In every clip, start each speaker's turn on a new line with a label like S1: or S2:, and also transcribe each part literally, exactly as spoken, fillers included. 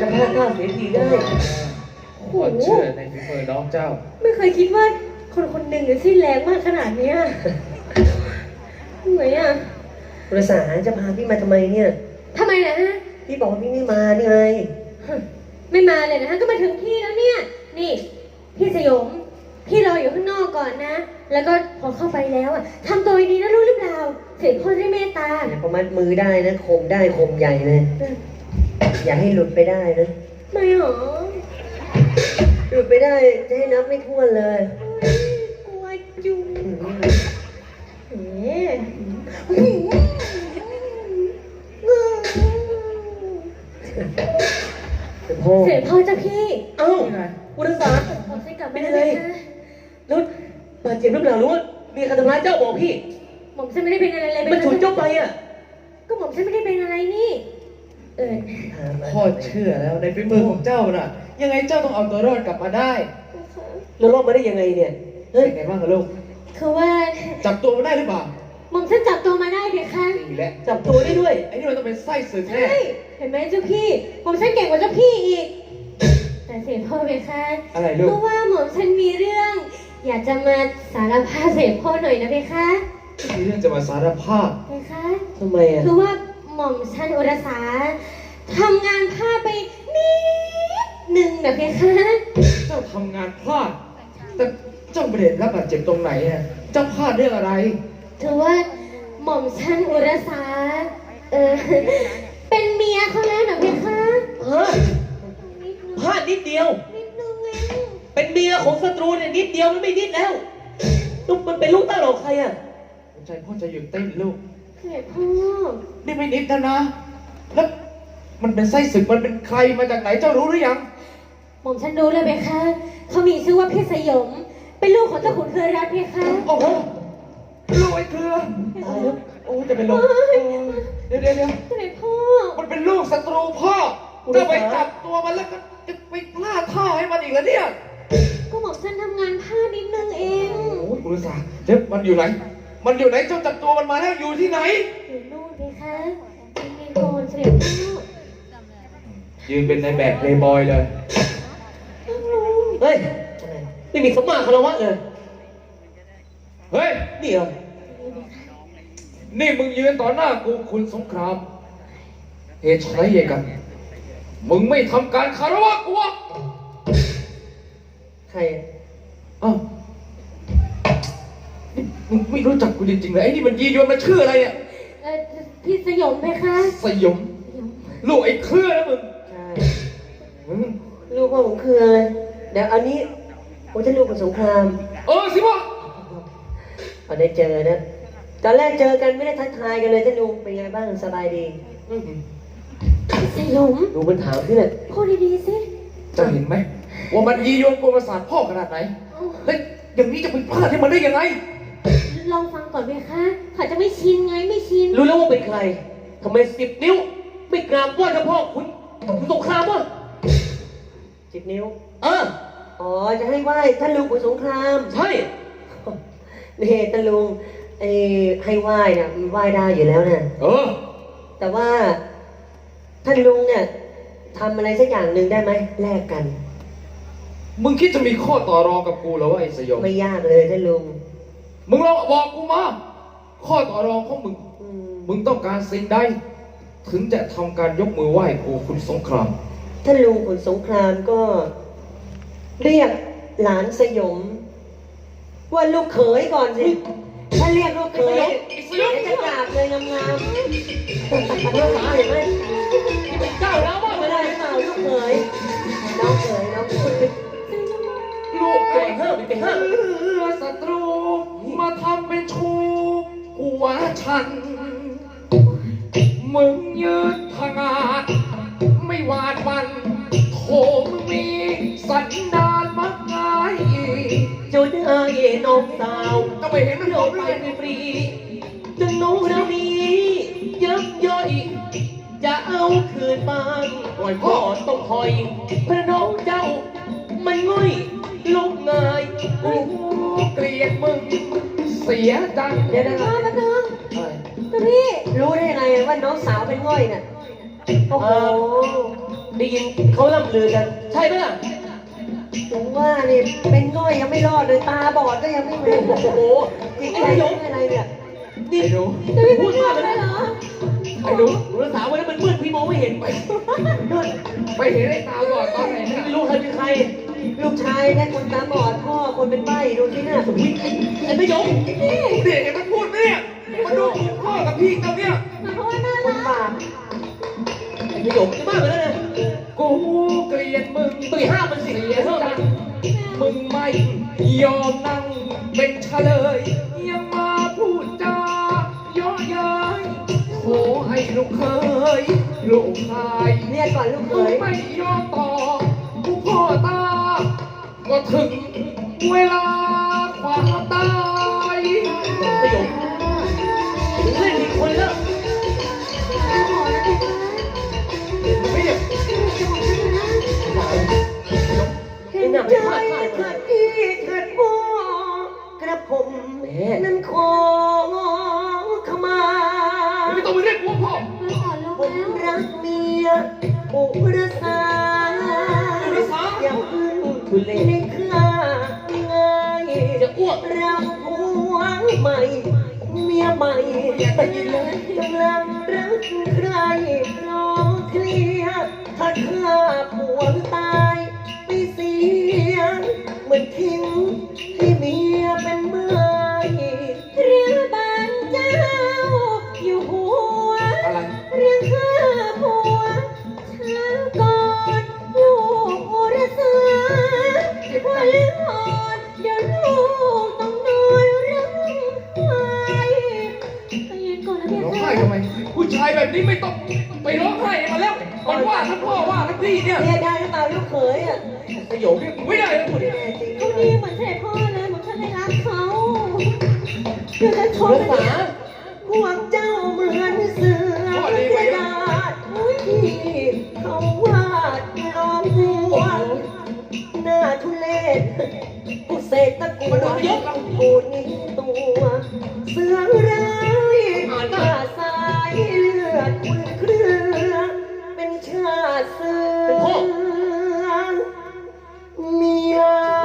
S1: จะพลาดท่าเสียทีได้
S2: โอ้เชื่อในฝีมือน้องเจ้า
S3: ไม่เคยคิดว่าคนคนหนึ่งจะสิ้นแรงมากขนาดนี้เหนื่อยอ่ะ
S1: ประสาจะพาพี่มาทำไมเนี่ย
S3: ทำไมนะฮะ
S1: พี่บอกว่าพี่ไม่มานี่ไง
S3: ไม่มาเลยนะฮะก็มาถึงที่แล้วเนี่ยนี่พี่สยมพี่รออยู่ข้างนอกก่อนนะแล้วก็พอเข้าไปแล้วอ่ะทำตัวดีนะรู้หรือเปล่าเสด็จพ่อได้เมตตา
S1: พอมัดมือได้นะคมได้คมใหญ่เลยอย่าให้หลุดไปได้นะ
S3: ไม่หรอ
S1: หลุดไปได้จะให้นับไม่ถ้วนเลย
S3: กลัวจุงเอ๊ะเสด็จพ่อเจ้าพี่
S1: เอ้าอุรสา
S3: ผมจะกลับไปเลย
S1: แล้วบาดเจ็บหรือเปล่ารู้ว่ามีใครทำร้ายเจ้าบอกพี่
S3: หม่อมฉันไม่ได้เป็นอะไรเลย
S1: มันฉุนเจ้าไปอ่ะ
S3: ก็หม่อมฉันไม่ได้เป็นอะไรนี่เออ
S2: พ่อเชื่อแล้วในฝีมือของเจ้าน่ะยังไงเจ้าต้องเอาตัวรอดกลับมาได้
S1: แล้วรอดมาได้ยังไงเนี่ย
S2: เฮ้ยไงบ้างกับลูก
S3: คือว่า
S2: จับตัวมาได้หรือเปล่า
S3: หม่อมฉันจับตัวมาได้เด็กค่ะ
S2: นี่แหละ
S1: จับตัวได้ด้วย
S2: ไอ้นี่มันต้องเป็นไส้ศึกแน่
S3: เห็นไหมเจ้าพี่หม่อมฉันเก่งกว่าเจ้าพี่อีกแต่เสด็จพ่อเด็กค่ะ
S2: อะไรลูก
S3: เพราะว่าหม่อมฉันมีเรื่องอยากจะมาสารภาพเสด็จพ่อหน่อยนะเด็กค่ะ
S2: มีเรื่องจะมาสารภาพ
S3: เด็กค่ะ
S1: ทำไมอ่ะ
S3: คือว่าหม่อมฉันอุรสาทำงานพลาดไปนิดหนึ่งนะเด็กค่ะ
S2: เจ้าทำงานพลาดแต่เจ้าประเด็นรับบาดเจ็บตรงไหนอ่ะเจ้าพลาดเรื่องอะไร
S3: คือว่าหม่อมฉันอุรสาเออเป็นเมียเขาแล้วนะเด็กค่ะ
S1: เฮ้ยพลาดนิดเดียว
S3: นิดนึงเอง
S1: เป็นเมียของศัตรูเนี่ยนิดเดียวมันไม่นิดแล้วลูกมันเป็นลูกเต้าของใครอ่ะ
S2: ใจพ่อจะหยุดเต้นลูก
S3: เสด็จพ่อ
S2: นี่ไม่นิดนะนะแล้วมันเป็นไส้ศึกมันเป็นใครมาจากไหนเจ้ารู้หรือยัง
S3: หม่อมฉันรู้เลยเบคะเขามีชื่อว่าเพชรสยมเป็นลูกของเจ้าขุนเครือรัตน์เบคะ
S2: โอ้โหลูกไอ้เครือโอ้โอ้จะเป็นลูกเดี๋ยวเดี๋ยวเดี๋ยว
S3: เสด็จพ่อ
S2: มันเป็นลูกศัตรูพ่อจะไปจับตัวมันแล้วก็จะไปพลาดท่าให้มันอีกแล้วเนี่ย
S3: ก็หม่อมฉันทำงานพลาดนิดนึงเอง
S2: โอ้ยกุลสาเดี๋ยวมันอยู่ไหนมันอยู่ไหนเจ้าจับตัวมันมาแล้วอยู่ที่ไหน
S3: อยู่นู่นเบคะมีโกนเสด็จพ่อ
S2: ยืนเป็นในแบบเพลย์บอยเลย
S1: เฮ้ยไม่มีสมมาคารวะเลย
S2: เฮ้ย
S1: นี่เหรอ
S2: นี่มึงยืนต่อหน้ากูคุณสงครามเหตุไรเองกันมึงไม่ทำการคารวะกูวะ
S1: ใคร
S2: อ้าวนี่มึงไม่รู้จักกูจริงๆเลยไอ้นี่มันยียวนมันชื่ออะไรเนี่ย
S3: เออพี่สยมไหมคะ
S2: สยมลูกไอ้เครือนะมึง
S1: ใช่มึงลูกพ่อผมคืออะไรเดี๋ยวอันนี้โอ้จะลูกของสงคราม
S2: เออสิวะ
S1: พอได้เจอนะตอนแรกเจอกันไม่ได้ทักทายกันเลยท่านลุงเป็นไงบ้างสบายดี
S3: สยม
S1: ดูมันถามพี่เลย
S3: พูดดีๆสิ
S2: จะเห็นไหมว่ามันยียวนกวนประสาทพ่อขนาดไหนแล้วอย่างนี้จะไปพลาดให้มันได้ยังไง
S3: ลองฟังก่อนไหมคะเขาจะไม่ชินไงไม่ชิน
S1: รู้แล้วว่าเป็นใครทำไมสิบนิ้วไม่กราบไหว้เจ้าพ่อคุณคุณสงครามวะสิบนิ้วเอออ๋อจะให้ไหว้ท่านลุงคุณสงครามใช่นี่ท่านลุงไอ้ให้ไหว้เนี่ยมันไหว้ได้อยู่แล้วเนี่ย
S2: เออ
S1: แต่ว่าท่านลุงเนี่ยทำอะไรสักอย่างหนึ่งได้ไหมแลกกัน
S2: มึงคิดจะมีข้อต่อรองกับกูเหรอวะไอ้สยอง
S1: ไม่ยากเลยท่านลุง
S2: มึงลองบอกกูมาข้อต่อรองของมึงมึงต้องการสิ่งใดถึงจะทำการยกมือไหว้กูคุณสงคราม
S1: ท่านลุงคุณสงครามก็เรียกหลานสยมว่าลูกเขยก่อนสิถ้าเรียกลูกเขยจะกราบเลยงามๆลูกสาวเห็นไหมเจ้าแล้วว่าไม่ได้หรือเปล่าลูกเขยน้องเขยน้องเขย
S2: ลูกไอ้เฮ้ยเป็นเฮ้ยศัตรูมาทำเป็นชูหัวฉันมึงยืนผงาดไม่หวาดวันโถมึงมีสันดานมักง่าย
S1: จุดเอ๋ยน้องสาว
S2: ก็ไม่เห็นมันโดน
S1: ไปฟรีจึงโน้เรานี้ยับย่อยจะเอาคืนบ้างปล่อยพ่อต้องคอยพระน้องเจ้ามันง่อยลุกง่าย
S2: กูเกลียดมึงเสียจัง
S3: เดี๋ยวนะมาเถอะพี่
S1: รู้ได้ไงว่าน้องสาวเป็นง่อยเนี่ยโอ้โห
S4: ได้ยินเขาล่ำลือกัน ใช่ไหมล่ะ
S1: ถึงว่านี่เป็นง่อยยังไม่รอดเลยตาบอดก็ยังไม่เป็น
S4: โอ้โห
S1: จริง
S4: ไอ้
S1: ไอ้
S4: ส
S1: ย
S4: ย
S1: ง
S4: ม
S1: อะไรเนี่ย
S4: นี่
S2: ไอ้หนู
S3: จะไม่
S4: พู
S3: พู
S4: ด
S3: ด
S4: มาม
S3: าก ก
S4: เล
S3: เลย ย
S4: เห
S3: เห
S4: ร
S3: ร
S4: อ
S3: อ
S2: ไอ้หนู
S4: อุรสาวันนั้นมันมืดพี่มองไม่เห็นไป
S2: ไปเห็นไอ้ตาบอดตอนไหนเนี่ย
S4: ไม่รู้ใครเป็นใคร
S1: ลูกชายนะคนตาบอดพ่อคนเป็นใบ้ดูที่หน้าสม
S4: อุ๊ยไอ้สยม
S2: เด็กมันพูดไหมเนี่ยมันดูถูกพ่อกับพี่เขาเนี่ย
S3: หมายความว่าน่า
S1: ค
S3: รั
S1: น
S3: ก
S1: บาป
S4: ไอ้สยมจะมากไปแล้วนะ
S2: กูเกลียดมึง
S4: ตุยห้ามมันสิ
S2: เสีย
S4: เท่า
S2: จั
S4: นั้
S2: ง
S4: น
S2: มึงไม่ยอมนั่งเป็นเฉลย ยังมาพูดจาเย่อเย้ยขอให้ลูกเคย ลูกชาย
S1: เรียกก่อนลูกเข
S2: มึง
S1: ย
S2: ไม่ยอมต่อกูพ่อตา ก็ถึงเวลาความตาย
S4: สยมเล่นอีกคนแล้ว
S3: ตาบอดนะเด็กนะ
S2: ไม่เนี่ย
S3: จะบอกฉันนะ
S1: เห็นใจเถิดพี่เถิดพ่อกระผมนั้นขอขมา
S2: ไม่ต้องมาเรียกกูว่าพ่อ
S3: เฮ้ยอ่อนลง
S1: ผม
S3: แล้ว
S1: รักเมียอุรสา
S2: อุรสา
S1: อย่าพึ่งทุเลค่าง่าย
S4: จะอ้วก
S1: เราผัวใหม่ เมียใหม่ไปเลยกำลังรักใครรอเคลียร์ถ้าข้าผัวตายไปเสียเหมือนทิ้งให้เมียเป็นไม้
S3: เรือบ้านเจ้า อยู่หัว
S2: อะไร
S3: เรื่องข้าผัวช้าก่อนลูกโอรสาวันอ่อนเดี๋ยวลูกต้องนอนร้องไห้ใจเย็นก่อนนะเพี่
S2: ร้อง
S3: ค่ะ
S2: ไห้ทำไม ผู้ชายแบบนี้ไม่ต้องไปร้องไห้มาแล้ว มันว่าทั้งพ่อว่าทั้งพี่เนี่ย
S1: เรียกได้หรือเปล่าลูกเขยอ่ะ
S4: สยม
S2: เรียกไม่ได้นะพูด
S1: แน่
S2: เนี่ย
S1: จริง
S3: เขาดีเหมือนเสด็จพ่อเลยเหมือนฉันได้รักเขาเดี๋ยวจะช
S4: อุ
S3: น
S4: ร
S3: นะ
S4: สา
S3: เนี่ย
S1: ห่วงเจ้าเหมือนเสือกระดาษที่เขาวาดลองหัวหน้าทุเลศผู้เสกตะกัวปูนี้ตัว เสือร้ายข้าสายเลือดคุณเครือเป็นชาติเสือเมีย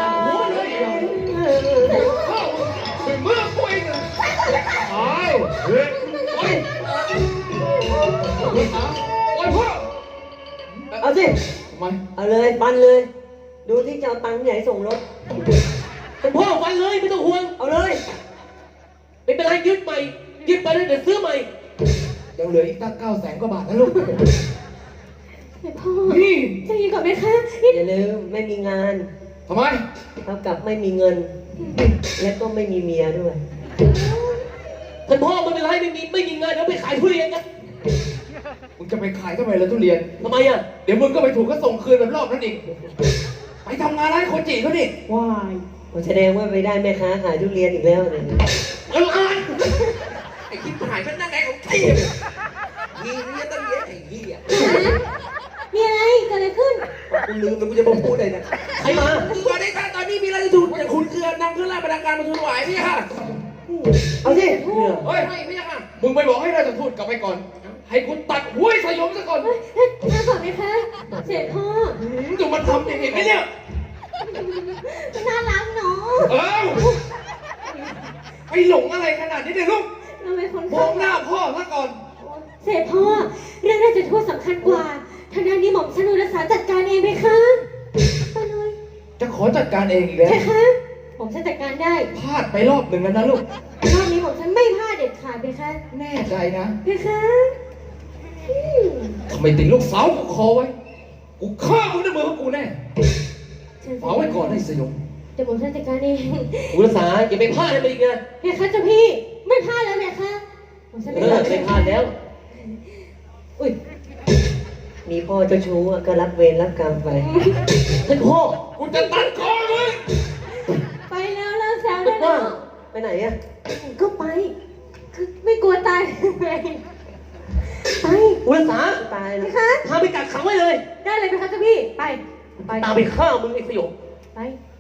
S2: พ่อถึงเมื่อกูเองอะตายเฮ้ยโอ้ยโอ้ยพ่อ
S1: เอาสิ
S2: ทำไม
S1: เอาเลยปันเลย ดูที่จะเอาตังค์ที่ไหนส่งรถ
S4: เป็นพ่อฟันเลยไม่ต้องห่วง
S1: เอาเลย
S4: ไม่เป็นไรยึดใหม่ ยึดไปแล้วเดี๋ยวซื้อใหม่
S2: ยังเหลืออีกตั้งเก้าแสนกว่าบาทนะลูก
S3: เสด็จพ่อ
S2: นี่
S3: ใจเย็นก่อนไหมคะนี่
S1: อย่าลืมไม่มีงาน
S2: ทำไม
S1: เท่ากับไม่มีเงิน และก็ไม่มีเมียด้วย
S4: ท่านพ่อไม่เป็นไรไม่มีไม่มีเงินเดี๋ยวไปขายทุเรียนกัน
S2: มึงจะไปขายทำไมล่ะทุเรียน
S4: ทำไมอ่ะ
S2: เดี๋ยวมึงก็ไปถูกก็ส่งคืนแบบรอบนั้นอีก ไปทำงานร้านโคจิเขาดิ
S1: ว้ายแสดงว่าไปได้แม่ค้าขายทุเรียนอีกแล้วเนี่ย
S2: เอออะไรไอ้คิดหายเป็นนั่งไงของพี่พี่เนี่ยตั้งเยอะไอ้พี่อ่ะ
S3: มีอะไรเกิดอะไรขึ้น
S2: กูลืมแล้วกูจะมาพูดอะไรนะ
S4: ใครมา
S2: สวัสดีค่ะตอนนี้มีอะไรจะถูกจะคุณเกลือนำเครื่องรางประดังการมาทูลถวายพี่ค่ะ
S1: เอาสิ
S2: เฮ้ยไม่พี่ค่ะ มึงไปบอกให้ราชทูตกลับไปก่อน ให้คุณตัดห้วยสยมซะก่อน
S3: เฮ้ยเฮ้ยมาก่อนไหมคะเสด็จพ่อ
S2: หืมจะมาทำอย่างนี้ไหมเนี่ย
S3: น่ารักเนาะ
S2: เอ้าไปหลงอะไรขนาดนี้เนี่ยลูก
S3: เราเป็นคน
S2: มองหน้าพ่อซะก่อน
S3: เสด็จพ่อ เรื่องราชทูตสำคัญกว่าทางด้านนี้หม่อมฉันอุรสาจัดการเองไหมคะไปเลย
S2: จะขอจัดการเองอีกแล้ว
S3: ใช่คะหม่อมฉันจัดการได้
S2: พลาดไปรอบหนึ่งแล้วนะลูก
S3: รอบนี้หม่อมฉันไม่พลาดเด็ดขาดไหมคะ
S2: แน่ใจนะ
S3: ไหมคะอืม
S2: ทำไมติดลูกสาวกูคอไว้ กูฆ่ามึงด้วยมือของกูแน่
S3: เชิญ
S2: ฝากไว้ก่อนให้สยม
S3: เดี๋ยวหม่อมฉันจัดการเอง
S4: อุรสาอย่าไปพลาดเลยไปอีกนะ
S3: ไหมคะเจ้าพี่ ไม่พลาดแล้วไหมคะหม่อมฉัน
S4: เอ
S3: ไม่พ
S4: อ
S3: ลาด
S4: ไม่พลาดแล้ว
S1: อุ้ย มีพ่อเจ้าชู้อะก็รับเวรรับกรรมไป
S4: ท่านพ่อ
S2: กูจะตัดคอมึง
S3: ไปแล้วเลิกแซวได้แล้ว
S1: ไปไหนอะ
S3: ก็ไป คือไม่กลัวตายไงไป
S4: อุรสา
S1: ตาย
S3: ไหม
S1: แล้ว
S3: คะ
S4: พาไปกักขังไว้เลย
S3: ได้เลยไหมคะเจ้าพี่ ไป ไป
S4: ตามไปฆ่ามึงไอ้สยม
S3: ไป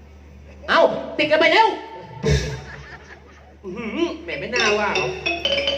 S4: เอาติดกันไปแล้ว
S2: อื้อหือแหมไม่น่าว่าหรอก